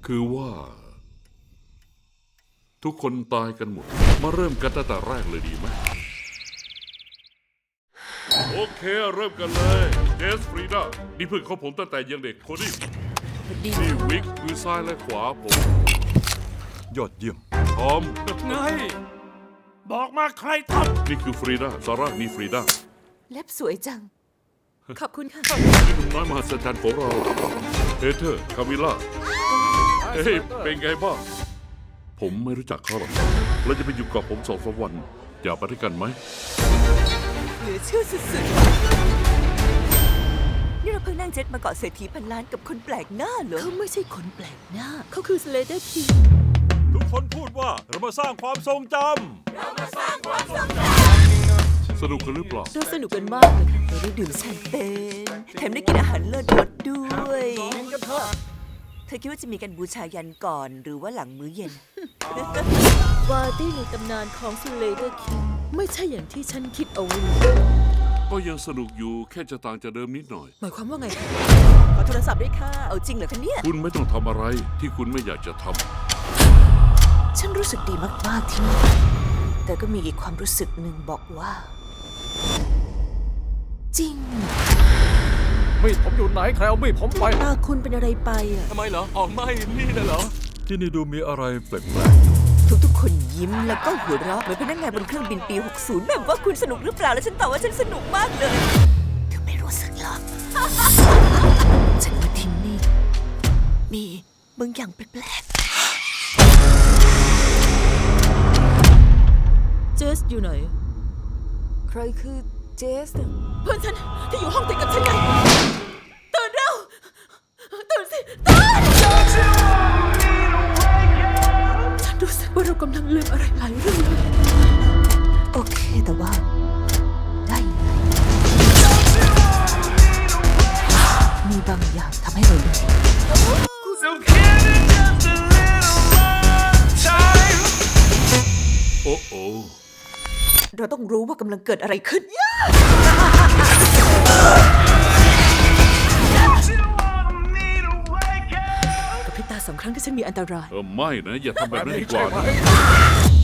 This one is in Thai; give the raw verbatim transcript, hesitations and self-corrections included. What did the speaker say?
คือว่า ทุกคนตายกันหมด มาเริ่มกันตั้งแต่แรกเลยดีไหมโอเคเริ่มกันเลยเจสฟรีดานี่เพื่อนของผมตั้งแต่ยังเด็กคนนี้นี่วิกมือซ้ายและขวาผมยอดเยี่ยมทอมไงบอกมาใครทนี่คือฟรีดาซาร่านี่ฟรีดาเล็บสวยจัง ขอบคุณค่ะนี่หนุ่มน้อยมหัศจรรย์ของเราเฮเธอร์คามิล่าเฮ้ยเป็นไงบ้างผมไม่รู้จักเขาหรอกเราจะไปอยู่กับผมสองสามวันอยากไปด้วยกันไหมเหลือเชื่อสุดๆ นี่เราเพิ่งนั่งเจ็ตมาเกาะเศรษฐีพันล้านกับคนแปลกหน้าเหรอ เขาไม่ใช่คนแปลกหน้า เขาคือสเลเดอร์คิงทุกคนพูดว่าเรามาสร้างความทรงจสนุกกันหรือเปล่าเราสนุกกันมากเลยค่ะเราได้ดื่มแชมเปญแถมได้กินอาหารเลิศรสด้วยำกันเถอะเธอคิดว่าจะมีการบูชายันก่อนหรือว่าหลังมื้อเย็นปาร์ตี้ในตำนานของสเลเดอร์คิงไม่ใช่อย่างที่ฉันคิดเอาไว้ก็ยังสนุกอยู่แค่จะต่างจากเดิมนิดหน่อยหมายความว่าไงคะขอโทรศัพท์ด้วยค่ะ เอาจริงเหรอคะเนี่ยคุณไม่ต้องทำอะไรที่คุณไม่อยากจะทฉันรู้สึกดีมากๆที่นี่ แต่ก็มีอีกความรู้สึกหนึ่งบอกว่า จริงมีดผมอยู่ไหนใครเอามีดผมไปตาคุณเป็นอะไรไปอ่ะทำไมเหรออ๋อไม่นี่นะเหรอำที่นี่ดูมีอะไรแปลกทุกๆ คนยิ้มแล้วก็หัวเราะเหมือนพนักงานบนเครื่องบินปี หกสิบ แบบว่าคุณสนุกหรือเปล่า แล้วฉันตอบว่าฉันสนุกมากเลยเธอไม่รู้สึกหรอก ฉันว่าที่นี่ มีบางอย่างแปลกเจสอยู่ไหนๆ ใครคือเจสเพื่อนฉันที่อยู่ห้องติดกับฉันไงตื่นเร็วตื่นสิตื่นฉันรู้สึกว่าเรากำลังลืมอะไรหลายเรื่องเลยโอเคแต่ว่า ได้ยังไงมีบางอย่างทำให้เราลืมำโอ้โอเราต้องรู้ว่ากำลังเกิดอะไรขึ้นกับพริบตาสองครั้งที่ฉันมีอันตรายเออไม่นะ อย่าทำแบบนั้นดีกว่าใช่ไหมนะ